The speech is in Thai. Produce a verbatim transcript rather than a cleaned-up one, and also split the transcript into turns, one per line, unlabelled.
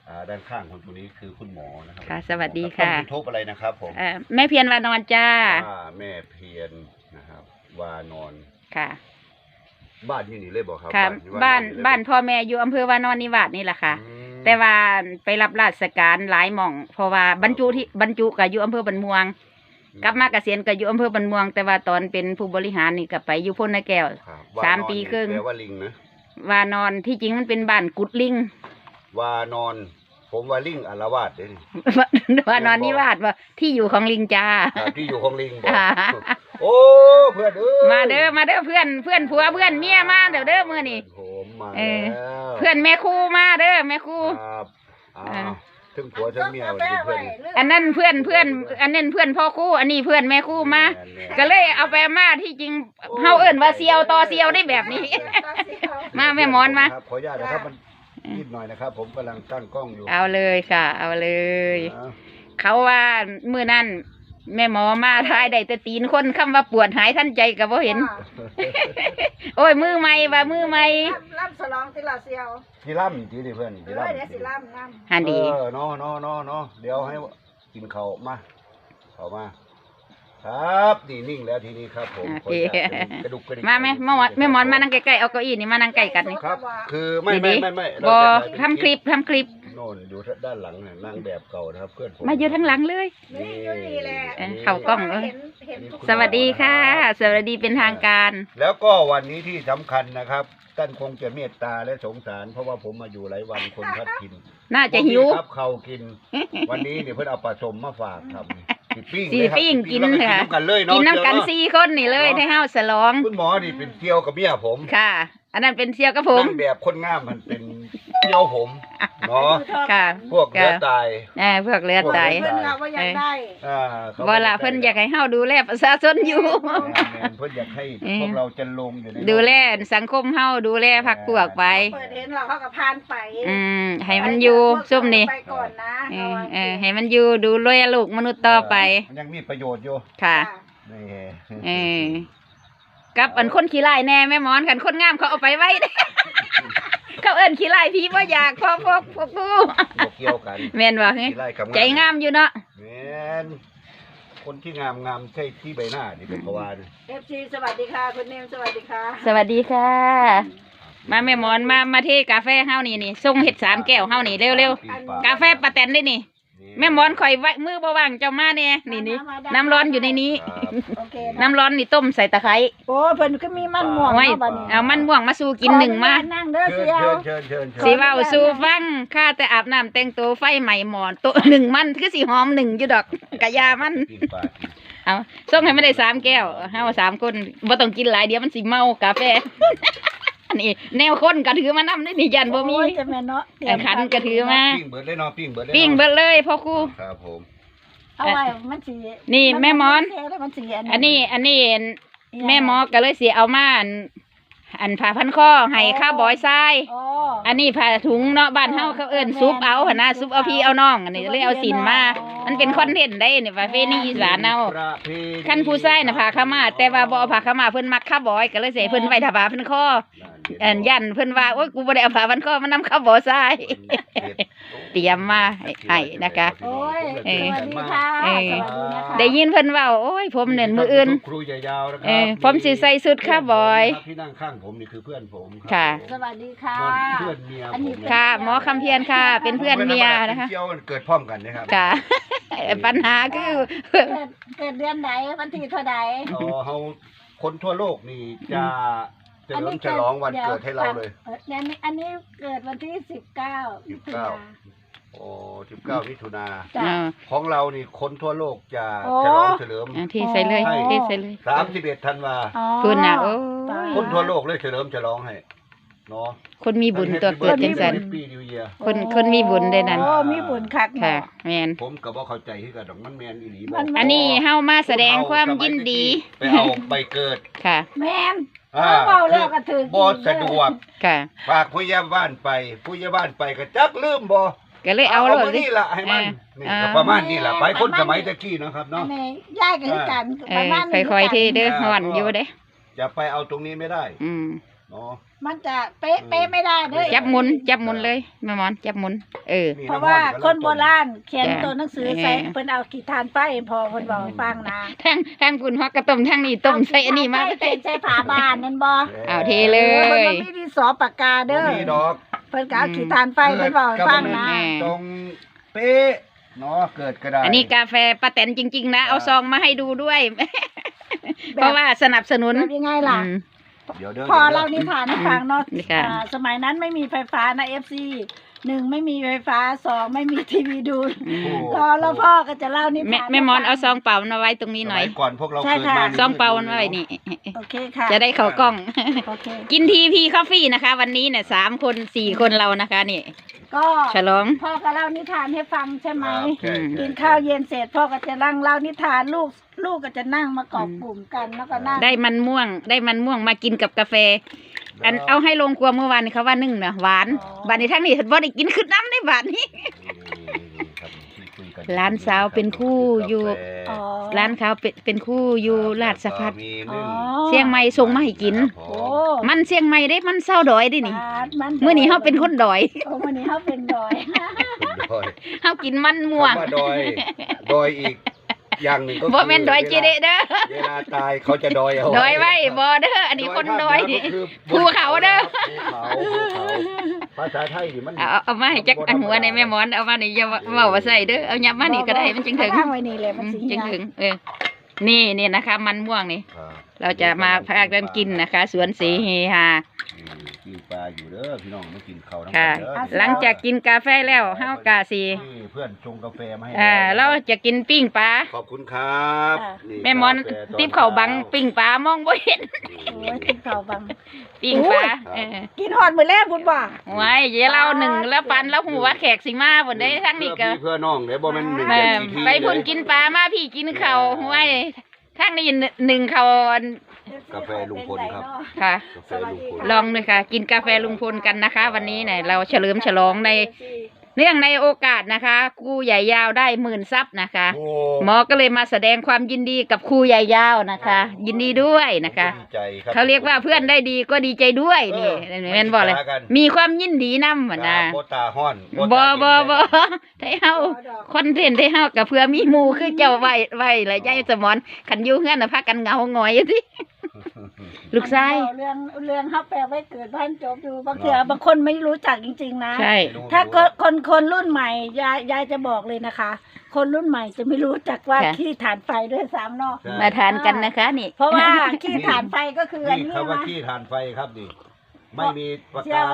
ด้านข้างคนตัวนี้คือคุณหมอนะครับ
ค่ะสวัสดีค่ะ
ต้องทุบอะไรนะครับผม
แม่เพียรวานอนจ้า
แม่เพียรนะครับวานอน
ค่ะ
บ้านที่นี่เลยบอกครับ
ค่ะบ้านบ้านพ่อแม่อยู่อำเภอวานอนนิวาสนี่แหละค่ะแต่ว่าไปรับราชการหลายหม่องเพราะว่าบรรจุที่บรรจุกับอยู่อำเภอบันม่วงกลับมาเกษียณกับอยู่อำเภอบันม่วงแต่ว่าตอนเป็นผู้บริหารนี่กับไปอยู่พ้นนาแก้วสามปีครึ่ง
แปลว่าลิงนะ
วานอนที่จริงมันเป็นบ้านกุดลิง
วานอนผมว่าลิงอารวาสเลย
วานอนนิวาสว่าที่อยู่ของลิงจ้า
ที่อยู่ของลิงบอกโอ้เพื่อนเอ้
มาเด้อมาเด้อเพื่อนเพื่อนผัวเพื่อนเมียมาเด้อเด้อมื้อนี้
ผมมา
เพื่อนแม่ครูมาเด้อแม่ครู
ถึงผัวถึงเมียเพื่อน
อันนั้นเพื่อนเพื่อนอันนั้นเพื่อนพ่อครูอันนี้เพื่อนแม่ครูมาก็เลยเอาไปมาที่จริงเฮาเอิ้นว่าเซียวต่อเซียวได้แบบนี้มาแม่มอนมา
ขออนุญาตนะครับมันนิดหน่อยนะครับผมกำลังตั้งกล้องอยู่
เอาเลยค่ะเอาเลยเขาว่ามื้อนั้นแม่หมอมาทายได้แต่ตีนคนคำว่าปวดหายท่านใจกับว่าเห็นโอ้ยมือใหม่ว่ามือใหม่
ล่ำสลองที่เราเซียว
ที่ล่ำที่ดิเพื่อนที่ล่ำ
เดี๋ยวสิล่ำล่
ำฮันดี
เออเนาะเนาะเนาะเนาะเดี๋ยวให้กินเขามาเขามาครับนี่นิ่งแล้วทีนี้ครับผม
กระดุกกระดิกมาไหมแม่หมอนแม่หมอนมานั่งใกล้ๆเอาเก้าอี้นี่มานั่งใกล้กันนี่
ครับคือไม่ไม่ไม่ไม่
บอทำคลิปทำคลิป
โน่นอยู่ด้านหลังเนี่ยนั่งแบบเก่านะครับเพื่อนผม
มาอยู่ทั้งหลังเลย
นี่อยู่นี่แหละ
เข่ากล้องเลยสวัสดีค่ะสวัสดีเป็นทางการ
แล้วก็วันนี้ที่สำคัญนะครับท่านคงจะเมตตาและสงสารเพราะว่าผมมาอยู่หลายวันคนพัดกิน
น่าจะหิว
ครับเขากินวันนี้เนี่ยเพื่อนเอาปลาสมมาฝากทำ
สีปิ้งกินค่ะกินน้ำกันสี่คนนี่เลยให้ห้าวสลอง
คุณหมอนี่เป็นเที่ยวกับเมียผม
ค่ะอันนั้นเป็นเที่ยวกับผม
นั่งแบบคนงามมันเป็นเที่ยวผมเนาะ
ค่ะ
พวกเลือดตาย
เออพวกเลือดตาย
เพื่อนเราว่าอยากได้
เวลาเพื่อนอยากให้ห้าวดูแลประชาชนอยู่
เพื่อนอยากให้พวกเราจะลงอยู่ใน
ดูแลสังคมห้าวดูแลพักพวกไป
เปิดเห็นเราเขากับพานไป
อืมให้มันอยู่ซุ่มนี่
ไปก่อนนะ
เออให้มันอยู่ดูแลลูกมนุษย์ต่อไป
ยังมีประโยชน์อยู่
ค่ะเออกับอันคนขี้ไล่แน่แม่หมอนกันคนงามเขาเอาไปไว้เขาเอิ้นขี้ไล่พี่ว่าอยากพอพวกพวกกู
เกี่ยวกัน
แม่นว่าใจงามอยู่เนาะ
แม่นคนที่งามงามใช่ที่ใบหน้านี่เป็นเพราะว่า
เอฟซีสวัสดีค่ะคุณเนมสวัสดีค่ะ
สวัสดีค่ะมาแม่หมอนมามาเทกาแฟเฮานี่นี่ส่งเห็ดสามแก้วเฮานี่เร็วๆกาแฟปาแตนได้นี่แม่หมอนข่อยไว้มือบ่ว่างเจ้ามาเนี่ยนี่นี่น้ำร้อนอยู่ในนี้น้ำร้อนนี่ต้มใส่ตะไคร้
โอ้เพิ่นก็มีมันม่วง
ไว้เอามันม่วงมาสู้กินหนึ่งมา
นั่งเด้อเสียว
สีว่าสู้ฟังข้าแต่อาบน้ำแต่งตัวไฟใหม่หมอนตัวหนึ่งมันคือสีหอมหนึ่งอยู่ดอกกะยามันเอาส่งให้ไม่ได้สามแก้วเฮาสามคนบ่ต้องกินหลายเดี๋ยวมันสิเมากาแฟนี่แนวคนกระถือมานำได้นี่ยันบ่มีขันกระถือมา
ปิ้งเบิดเลยเนาะปิ้งเบิดเลย
ปิ้งเบิดเลยพ่อครู
ครับผม
เอาไว้มันสิ
นี่แม่มอนอันนี้อันนี้แม่หมอก็เลยสิเอามาอันผ้าพันคอให้ข้าวบอยทรายอันนี้ผ้าถุงเนาะบ้านเฮาเขาเอิ้นซุปเอาหั่นนะซุปเอาพี่เอาน้องอันนี้เลยเอาสินมามันเป็นคอนเทนต์ได้นี่ประเพณีอีสานเอาคันผู้ชายน่ะผ้าขาวม้าแต่ว่าบ่เอาผ้าขาวม้าเพิ่นมักข้าวบอยก็เลยใส่เพิ่นไว้ถ้าผ้าพันคออันยันเพิ่นว่าโอ๊ยกูบ่ได้เอาผ้าพันคอมานำข้าวบอยทรายเตรียมมาให้นะคะ
โอ้ยสวัสดีค่ะสวัสดีนะคะ
ได้ยินเพิ่นว่าโอ้ยผมเนี่ยมื้ออื่น
ครูใหญ่ยาวนะครับ
ผมสิใส่ชุดข้าวบอย
ที่นั่งข้างผมนี่คือเพื่อนผม
ค่ะ
สวัสดีค่ะ
เพื่อนเมียผม
ค่ะหมอคำเพียรค่ะเป็นเพื่อนเมียนะคะ
เกี่ยวเกิดพร้อมกันนะครับ
ค่ะปัญหาคือ
เกิดเดือนไหนวันที่เท่าใด
อ๋อเฮาคนทั่วโลกนี่จะเฉลิมฉลองวันเกิดให้เราเลย
อันนี้อันนี้เกิดวันที่สิบเก้า
สิบเก้าโอ้สิบเก้ามิถุนาของเรานี่คนทั่วโลกจะฉลองเฉลิม
ที่ใส่เลยที่ใส่เลย
สามสิบเอ็ดธันวา
คุ
ณ
นะโอ้
คนทั่วโลกเลยเฉลิมฉลองให้เนาะ
คนมีบุญตัวเกิดจังสันคนคนมีบุญได้นั่น
โอ้มีบุญคัก
ค่ะแมน
ผมก็บ่เข้าใจที่กระดองมันแมนอีหลี
อันนี้เฮามาแสดงความยินดี
ไปเอาใบเกิด
ค่ะ
แมนเบาแล้วก็ถึง
บ่สะดวก
ค่ะ
ฝากผู้ใหญ่บ้านไปผู้ใหญ่บ้านไปก็จักลืมบ่
ก็เลยเอา
เลยนี่ล่ะให้มันนี่ก็ประมาณนี้ล่ะไปคนสมัยตะกี้นะครับเนาะ
ย้ายกันกัน
ประมาณนี้ค่อยๆที่เด้อฮ้อนอยู่เด้
จะไปเอาตรงนี้ไม่ได้
อืม
อ๋อ
มันจะเป๊ะเป๊ะไม่ได้เด้อ
จับหมุนจับหมุนเลยแม่หมอนจับหมุนเออ
นี่
เพราะว่าคนโบราณเขียน
จ้ะ
ตัวหนังสือใส่
เออ
เพิ่นเอาขีดทานไปพอเพิ่นบอกให้ฟังนะ
ทางทางคุณฮอกกระต้มทางนี้ต้มใส่อันนี้มา
เขียนใส่ผาบานนั่นบ่
เอาเทเล
เออเพิ่น
ย
บ่มีดินสอปากกา
บ่
เด้อ
มีดอก
เพิ่นก็เอาขีดทานไปเพิ่นบอกให้ฟังนะ
อืม
ตรงเป๊ะเนาะเกิดก็ได้
อันนี้กาแฟป้าแตนจริง ๆ นะ เอาซองมาให้ดูด้วย เพราะว่าสนับสนุน
แบบยังไงล่ะ
อืม
เดี๋ยวเด้อ
พอ
ดี๋ยวด้
เล่านิทานให้ฟังเนาะ
นี่ค่ะ
อ่าสมัยนั้นไม่มีไฟฟ้านะ เอฟ ซี หนึ่งไม่มีไฟฟ้าสองไม่มีทีวีดู
อืม
รอแล้วพ่อก็จะเล่านิ
แม่
ทาน
แม่มอน
ให้
เอาซ
ฟั
องเปล่ามาไว้ตรงนี้หน่อย
สมัก่อนพวกเรา
ใช่
เกิด
ค่ะ
มา
ซองเปล่ามันไว้นี่
โอเคค่ะ
จะได้เข้ากล้อง
โอเค
กินทีพีคอฟฟี่นะคะ วันนี้เนี่ยสามคนสี่คนเรานะคะนี่
ก็
ฉลอง
พ่อก็เล่านิทานให้ฟังใช่ไหม
ครับใช่
อืม
ใช่
กินข้าวเย็นเสร็จพ่อก็จะนั่งเล่านิทานลูกลูกก็จะนั่งมากอบกลุ่มกันแล้วก็นั่ง
ได้มันม่วง ได้มันม่วงมากินกับกาแฟ อันเอาให้ลงครัวเมื่อวานนี้เขาว่านึ่งนะหวานบานนี้ทั้งนี้บ่ได้กินคือน้ำได้บานนี้
ครับที่คุยกัน
ร้านสาวเป็นคู่อยู่
อ๋อ
ร้านเขาเป็นเป็นคู่อยู่ลาดสะพัด
มี
อ๋อ
นึ่ง
เชียงใหม่ส่งมาให้กิน
โอ้
มันเชียงใหม่ได้มันเศร้าดอยได้นี่
บาดมัน
เมื่อนี้เขาเป็นคนดอย
โอ้มื่อนี้เขาเป็นดอย
ดอย
เขากินมันม่วง
คำว่าดอยดอยอีก อย่างหนึ่งก็
บ่แม่นดอยเจเดเด้อ
เวลาตายเขาจะดอยเอา
ดอยไว้บ่เด้ออันนี้คนดอย
ก็คื
ภูเขาเด้อ
ภูเขาภูเขาภาษาไทยนี่มัน
เอาเอาเอามาให้จักอันหัวในแม่หมอนเอามานี่อย่าเว้าว่าใส่เด้อเอายับมานี่ก็ได้มันจึงถึง
ตั้งไว้นี่เลยมัน
อืม
สิ
จึงถึงเออนี่นี่นะคะ มันม่วงนี่
ครับ
เราจะมาพากันกินนะคะ สวนสีเฮฮา
อืมกินปลาอยู่เด้อพี่น้องมากินข้าวน้ำ
ค่ะ
กันเด้อ
หลังจากกินกาแฟแล้วเฮากาสี
นี่เพื่อนชงกาแฟมาให้
อ่าเราจะกินปิ้งปลา
ขอบคุณครับนี่
แม่หมอน
กาแฟต
ติบเขาบังปิ้งปลามองบ่เห็น
โอ้ยกินข้าวบัง
ปิ้งปลาเออ
กินหอดมื้อแรกพุ่นบ่
ไว้เดี๋ยวเราหนึ่งแล้วปันแล้วหูว่าแขกสิมาบ่ได้ทั้งนี้ก็
เพื่อพี่เพื่อน้องเด้อบ่แม่นหนึ่ง
แม่
เดือนที
ไปพุ่นกินปลามาพี่กินข้าวไว้ทั้งนี้หนึ่งข้าว
กาแฟลุงพลครับ
ค่ะ
กาแฟลุงพล
ลองเลยค่ะ กินกาแฟลุงพลกันนะคะ วันนี้เนี่ยเราเฉลิมฉลองในเนื่องในโอกาสนะคะครูใหญ่ยาวได้หมื่นซับนะคะ
โอ้
หมอก็เลยมาแสดงความยินดีกับครูใหญ่ยาวนะคะ ยินดีด้วยนะคะ
ดีใจครับ
เขาเรียกว่าเพื่อนได้ดีก็ดีใจด้วยนี่แม่นบอกเลย มีความยินดีนำเหมือนนะ
โบตาฮ้อน
บอบอบอไทเฮาคอนเทนต์ไทเฮากับเพื่อมีหมู่คือเจ้าไว้ไว้และยายสมอนขันอยู่เฮือนน่ะพากันเหงาหงอยอยู่สิลูกชาย
เรื่องเรื่องฮับแปลไว้เกิดบ้านจบดูบางเถื่อบางคนไม่รู้จักจริงๆนะ
ใช่
ถ้าคนคนคนรุ่นใหม่ยายยายจะบอกเลยนะคะ คนรุ่นใหม่จะไม่รู้จักว่าขี้ถ่านไฟด้วยซ้ำเนาะ
มาทานกันนะคะนี่
เพราะว่าขี้ถ่านไฟก็คืออัน
นี่
นี้
คำว่า
นะ
ขี้ทานไฟครับนี่ไม่มีปาก
เชี่ย
กา
ว